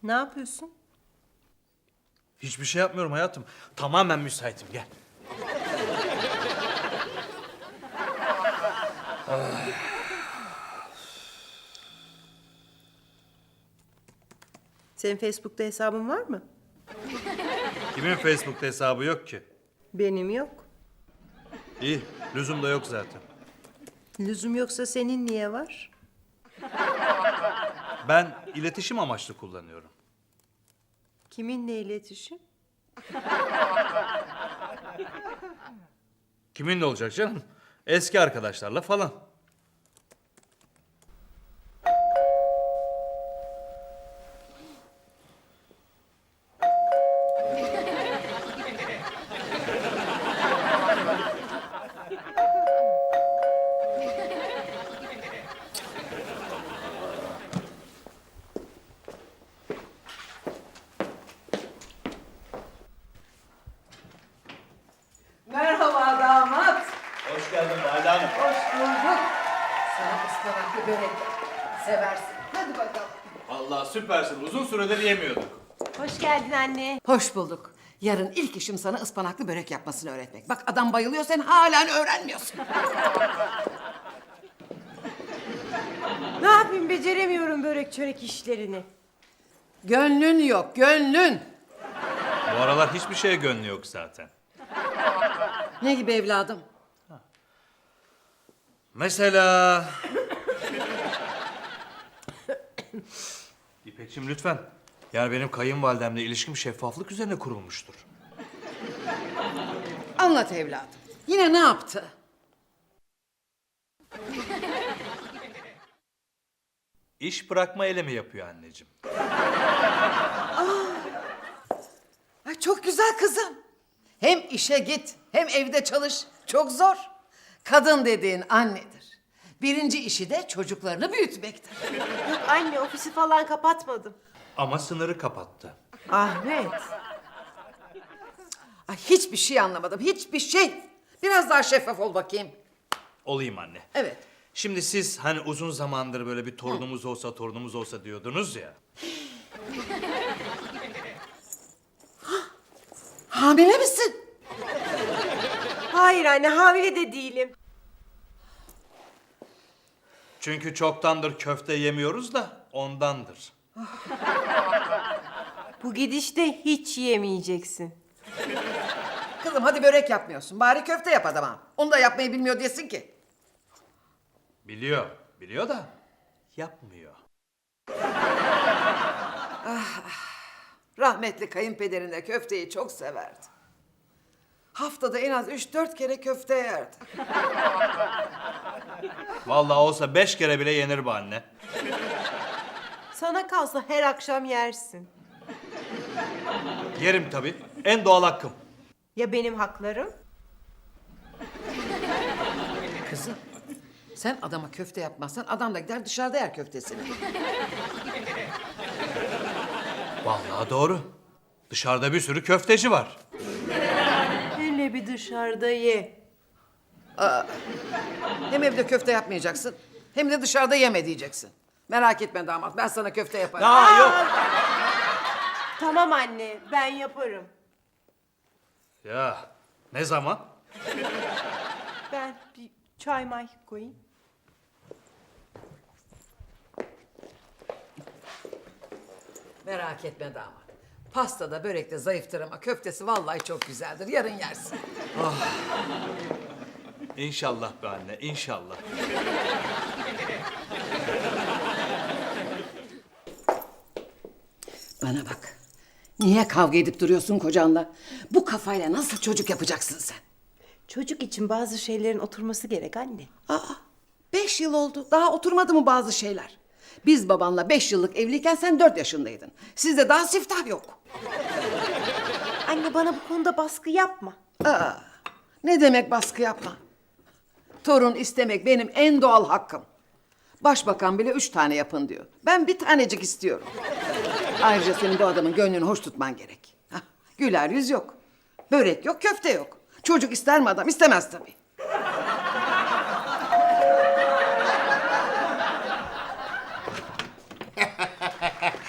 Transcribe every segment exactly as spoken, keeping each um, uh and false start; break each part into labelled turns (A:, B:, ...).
A: Ne yapıyorsun?
B: Hiçbir şey yapmıyorum hayatım. Tamamen müsaitim. Gel.
A: Senin Facebook'ta hesabın var mı?
B: Kimin Facebook'ta hesabı yok ki?
A: Benim yok.
B: İyi, lüzum da yok zaten.
A: Lüzum yoksa senin niye var?
B: Ben iletişim amaçlı kullanıyorum.
A: Kiminle iletişim?
B: Kiminle olacak canım? Eski arkadaşlarla falan.
C: Merhaba damat.
B: Hoş geldin Valide Hanım.
C: Hoş bulduk. Sana ıspanaklı börek yaptım. Seversin. Hadi bakalım.
B: Vallahi süpersin. Uzun süredir yemiyorduk.
A: Hoş geldin anne.
C: Hoş bulduk. Yarın ilk işim sana ıspanaklı börek yapmasını öğretmek. Bak adam bayılıyor, sen halen öğrenmiyorsun.
A: Ne yapayım, beceremiyorum börek çörek işlerini.
C: Gönlün yok, gönlün.
B: Bu aralar hiçbir şeye gönlü yok zaten.
C: Ne gibi evladım?
B: Mesela... İpekçim lütfen. Yani benim kayınvalidemle ilişkim şeffaflık üzerine kurulmuştur.
C: Anlat evladım. Yine ne yaptı?
B: İş bırakma eylemi yapıyor anneciğim.
C: Ay çok güzel kızım. Hem işe git, hem evde çalış. Çok zor. Kadın dediğin annedir. Birinci işi de çocuklarını büyütmektir.
A: Yok anne, ofisi falan kapatmadım.
B: Ama sınırı kapattı.
A: Ahmet.
C: Ay hiçbir şey anlamadım, hiçbir şey. Biraz daha şeffaf ol bakayım.
B: Olayım anne.
C: Evet.
B: Şimdi siz hani uzun zamandır böyle bir torunumuz olsa torunumuz olsa diyordunuz ya.
C: Hamile misin?
A: Hayır anne, hamile de değilim.
B: Çünkü çoktandır köfte yemiyoruz da ondandır.
A: Bu gidişte hiç yemeyeceksin.
C: Kızım hadi börek yapmıyorsun. Bari köfte yap adama. Onu da yapmayı bilmiyor diyesin ki.
B: Biliyor, biliyor da yapmıyor.
C: Rahmetli kayınpederin de köfteyi çok severdi. Haftada en az üç dört kere köfte yerdi.
B: Vallahi olsa beş kere bile yenir bu anne.
A: Sana kalsa her akşam yersin.
B: Yerim tabii. En doğal hakkım.
A: Ya benim haklarım?
C: Kızım sen adama köfte yapmazsan adam da gider dışarıda yer köftesini.
B: Vallahi doğru. Dışarıda bir sürü köfteci var.
A: Hele bir dışarıda ye.
C: Hem evde köfte yapmayacaksın hem de dışarıda yeme diyeceksin. Merak etme damat, ben sana köfte yaparım.
B: Aa yok.
A: Tamam anne, ben yaparım.
B: Ya ne zaman?
A: Ben bir çay may koyayım.
C: Merak etme damat. Pastada, börekte zayıftır ama köftesi vallahi çok güzeldir. Yarın yersin.
B: İnşallah be anne, inşallah.
C: Bana bak. Niye kavga edip duruyorsun kocanla? Bu kafayla nasıl çocuk yapacaksın sen?
A: Çocuk için bazı şeylerin oturması gerek anne.
C: Aa, beş yıl oldu. Daha oturmadı mı bazı şeyler? Biz babanla beş yıllık evliyken sen dört yaşındaydın. Sizde daha siftah yok.
A: Anne, bana bu konuda baskı yapma.
C: Aa, ne demek baskı yapma? Torun istemek benim en doğal hakkım. Başbakan bile üç tane yapın diyor. Ben bir tanecik istiyorum. Ayrıca senin bu adamın gönlünü hoş tutman gerek. Hah, güler yüz yok. Börek yok, köfte yok. Çocuk ister mi adam? İstemez tabii.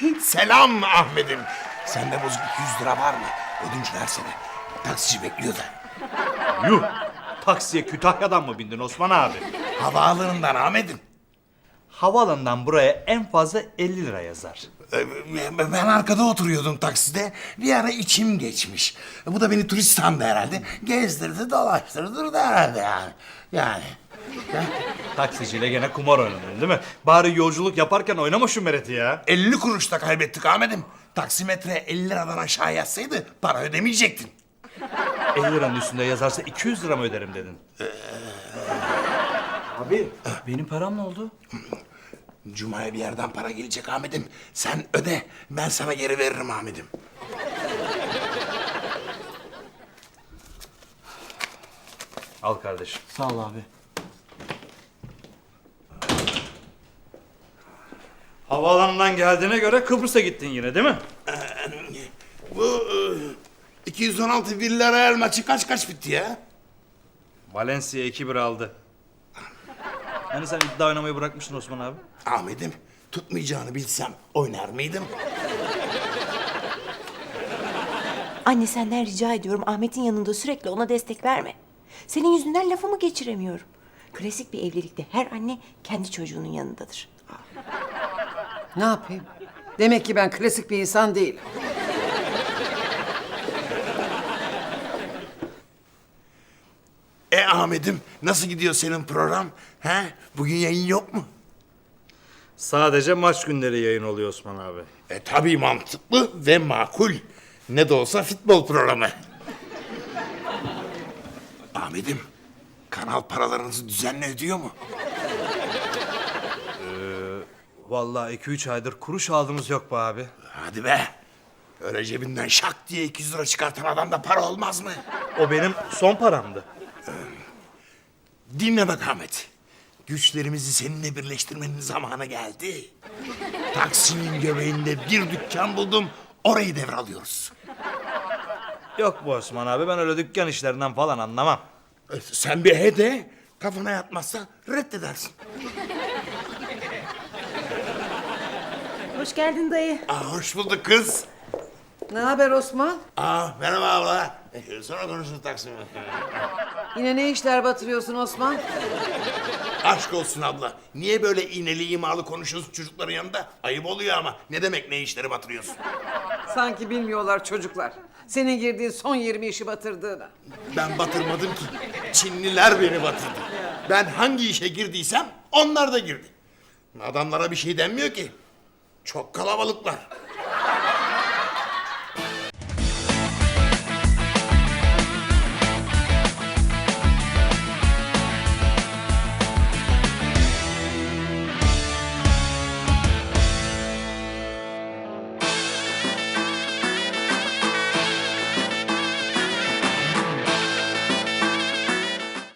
D: Selam Ahmet'im. Sende bozuk iki yüz lira var mı? Ödünç versene. Taksici bekliyor da.
B: Yuh! Taksiye Kütahya'dan mı bindin Osman abi?
D: Havaalanından Ahmet'im.
B: Havaalanından buraya en fazla elli lira yazar.
D: Ee, Ben arkada oturuyordum takside. Bir ara içim geçmiş. Bu da beni turist sandı herhalde. Gezdirdi, dolaştırdı da herhalde yani. Yani.
B: Taksiciyle gene kumar oynadın değil mi? Bari yolculuk yaparken oynama şu mereti ya.
D: elli kuruş da kaybettik Ahmet'im. Taksimetre elli liradan aşağı yazsaydı para ödemeyecektin.
B: elli liranın üstünde yazarsa iki yüz lira mı öderim dedin? Abi benim param ne oldu?
D: Cuma'ya bir yerden para gelecek Ahmet'im. Sen öde, ben sana geri veririm Ahmet'im.
B: Al kardeşim.
E: Sağ ol abi.
B: Havaalanından geldiğine göre Kıbrıs'a gittin yine değil mi?
D: Bu e, iki yüz on altı Villarreal maçı kaç kaç bitti ya?
B: Valencia iki bir aldı. Hani sen iddia oynamayı bırakmıştın Osman abi?
D: Ahmet'im, tutmayacağını bilsem oynar mıydım?
A: Anne senden rica ediyorum Ahmet'in yanında sürekli ona destek verme. Senin yüzünden lafımı geçiremiyorum. Klasik bir evlilikte her anne kendi çocuğunun yanındadır.
C: Ne yapayım? Demek ki ben klasik bir insan değilim.
D: E Ahmet'im, nasıl gidiyor senin program? He? Bugün yayın yok mu?
B: Sadece maç günleri yayın oluyor Osman abi.
D: E tabii mantıklı ve makul. Ne de olsa futbol programı. Ahmet'im, kanal paralarınızı düzenli ödüyor mu?
B: Vallahi iki üç aydır kuruş aldığımız yok be abi.
D: Hadi be. Öyle cebinden şak diye iki yüz lira çıkartan adamda para olmaz mı?
B: O benim son paramdı.
D: Dinle bak Ahmet. Güçlerimizi seninle birleştirmenin zamanı geldi. Taksim'in göbeğinde bir dükkan buldum. Orayı devralıyoruz.
B: Yok bu Osman abi, ben öyle dükkan işlerinden falan anlamam.
D: E, Sen bir he de, kafana yatmazsa reddedersin.
A: Hoş geldin dayı.
D: Aa, hoş bulduk kız.
C: Ne haber Osman?
D: Aa, merhaba abla. E, Sonra konuşuruz Taksim'e.
C: Yine ne işler batırıyorsun Osman?
D: Aşk olsun abla. Niye böyle iğneli imalı konuşuyorsun çocukların yanında? Ayıp oluyor ama. Ne demek ne işleri batırıyorsun?
C: Sanki bilmiyorlar çocuklar. Senin girdiğin son yirmi işi batırdığını.
D: Ben batırmadım ki. Çinliler beni batırdı. Ben hangi işe girdiysem onlar da girdi. Adamlara bir şey denmiyor ki. Çok kalabalıklar.